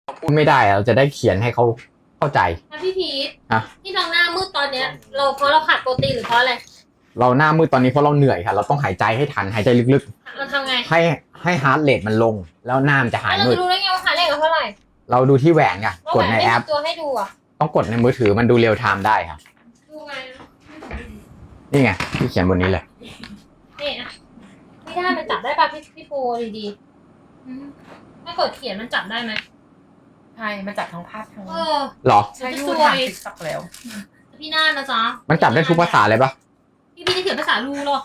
พูดไม่ได้เราจะได้เขียนให้เขาเข้าใจพี่พีทอะที่เราหน้ามืดตอนเนี้ยเพราะเราขาดโปรตีนหรือเพราะอะไรเราหน้ามืดตอนนี้เพราะเราเหนื่อยค่ะเราต้องหายใจให้ทันหายใจลึกเราทำไงๆให้ฮาร์ทเรทมันลงแล้วหน้ามันจะหายแล้วเรามืดจะรู้ได้ไงว่าขาดเลขเท่าไหร่เราดูที่แหวนค่ะกดในแอปตัวให้ดูอ่ะต้องกดในมือถือมันดูเรียลไทม์ได้ค่ะดูไงนะนี่ไงที่เขียนบนนี้เลยนี่อ่ะไม่ได้มันจับได้ป่ะพี่โปดีๆถ้ากดเขียนมันจับได้ไหมใช่มันจับทั้งภาพทั้งหรอใช้ดูทางติ๊กต็อกแล้วพี่น่านะจ๊ะมันจับได้ทุกภาษาเลยปะพี่จะเขียนภาษาลูหรอ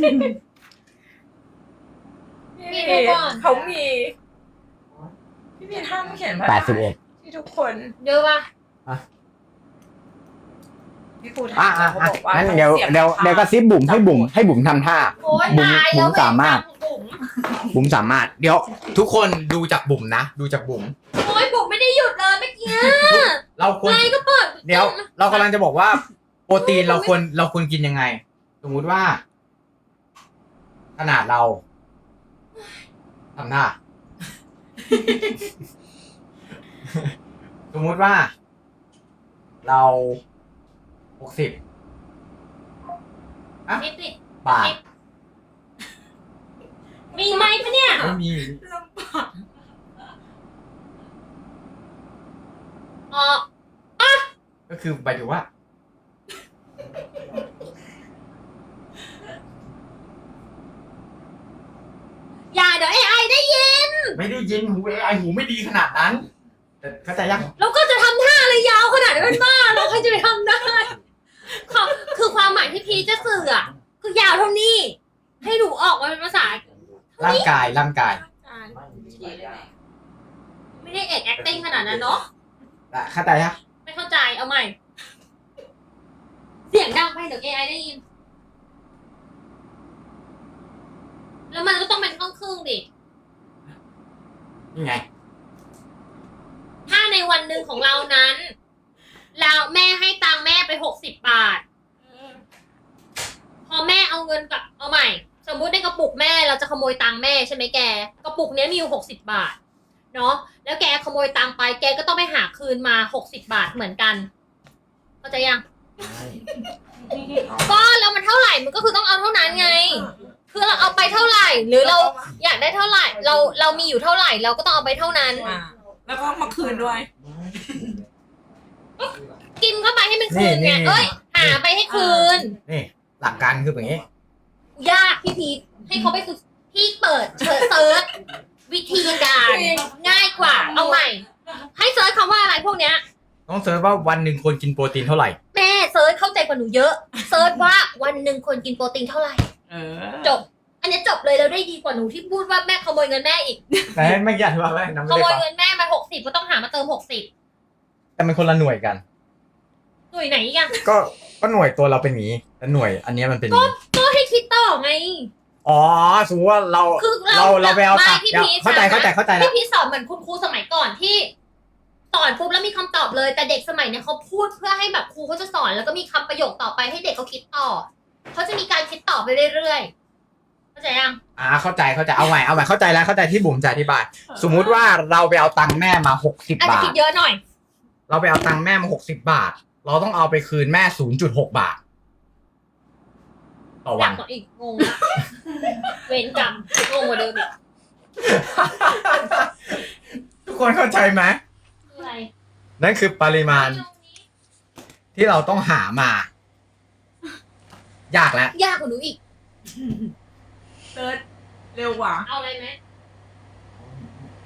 พี่ดูก่อนเขามีพี่พีห้ามเขียนภาษา 81 ที่ทุกคนเยอะป่ะพี่ครูอ่ะถามเขาบอกว่างั้นเดี๋ยวก็ซิบบุ๋มให้บุ๋มทำท่าโอ๊ยบุ๋มตายบุ๋แล้วมสามารถบุ๋มบุ๋มสามารถเดี๋ยวทุกคนดูจากบุ๋มนะดูจากบุ๋มโอ๊ยบุ๋มไม่ได้หยุดเลยเมื่อกี้เราควรไลน์ก็เปิดเดี๋ยวเรากำลังจะบอกว่า โปรตีนเราควรกินยังไง สมมุติว่า ขนาดเราทำท่า สมมุติว่า เรา60 นิดนิดบาทมีไหมปะเนี่ยไม่มีลำบากอ๋อก็คือหมายถึงว่าอย่าเดี๋ยวAI ได้ยินไม่ได้ยินหูไอหูไม่ดีขนาดนั้นแต่เข้าใจยังเราก็จะทำท่าอะไรยาวขนาดนั้นเป็นบ้าเราใครจะไปทำได้คือความหมายที่พีชจะสื่ออะคือยาวเท่านี้ ให้หนูออกมาเป็นภาษาร่างกายไม่ได้เอก acting ขนาดนั้นเนาะเข้าใจยังไม่เข้าใจเอาใหม่ เสียงดังไปเดี๋ยว AI ได้ยิน แล้วมันก็ต้องเป็นครึ่งดินี่ไงถ้าในวันหนึ่งของเรานั้นเราแม่ให้ตังค์แม่ไป60 บาท พอแม่เอาเงินกับเอาใหม่ สมมุติในกระปุกแม่เราจะขโมยตังค์แม่ใช่ไหมแก กระปุกเนี้ยมีอยู่60 บาท เนาะแล้วแกขโมยตังค์ไปแกก็ต้องไปหาคืนมา60 บาทเหมือนกัน เข้าใจยัง ก็แล้วมันเท่าไหร่มันก็คือต้องเอาเท่านั้นไง คือเราเอาไปเท่าไหร่ หรือเราอยากได้เท่าไหร่ เรามีอยู่เท่าไหร่เราก็ต้องเอาไปเท่านั้นแล้วก็มาคืนด้วยกินเข้าไปให้มันคืนไงนี่เอ้ย หาไปให้คืนนี่ หลักการคือแบบนี้ยากพี่พีทให้เขาไปฝึกพี่เปิดเซิร์ชวิธีการง่ายกว่า เอาใหม่ ให้เซิร์ชคำว่าอะไรพวกเนี้ยต้องเซิร์ชว่าวันหนึ่งควรกินโปรตีนเท่าไหร่แม่เซิร์ชเข้าใจกว่าหนูเยอะ เซิร์ชว่าวันหนึ่งควรกินโปรตีนเท่าไหร่ จบ อันนี้จบเลยแล้วได้ดีกว่าหนูที่พูดว่าแม่ขโมยเงินแม่อีกแต่ไม่อยากว่าอะไรนะขไม่ได้โมยฟังเงินแม่มา60ก็ต้องหามาเติม60 แต่มันคนละหน่วยกันหน่วยไหนอีกอะก็หน่วยตัวเราเป็นอย่างนี้แต่หน่วยอันเนี้ยมันเป็นอย่างนี้ก็ให้คิดต่อไงอ๋อสมมติว่าเราคือเราไปเอาไม่ตังค์พี่เดี๋ยวพีชเข้าใจนะแล้วพี่พีชสอนเหมือนคุณครูสมัยก่อนที่สอนปุ๊บแล้วมีคำตอบเลย แต่เด็กสมัยเนี้ยเขาพูดเพื่อให้แบบครูเขาจะสอนแล้วก็มีคำประโยคต่อไปให้เด็กเขาคิดต่อเขาจะมีการคิดต่อไปเรื่อยๆเข้าใจยังเข้าใจเอาใหม่เข้าใจแล้วเข้าใจที่บุ๋มจะอธิบาย สมมุติว่าเราไปเอาตังค์แม่มา60 อาจจะบาทคิดเยอะหน่อยเราไปเอาตังค์แม่มา60 บาท เราต้องเอาไปคืนแม่ 0.6 บาท ต่อหวันันกกว่าอีกงงละเวรกรรมงงกว่าเดิมอีกทุกคนเข้าใจไหมคืออะไรนั่นคือปริมาณที่เราต้องหามา ยากแล้วยากกว่าหนูอีกเติร์ดเร็วกว่าเอาอะไรไหม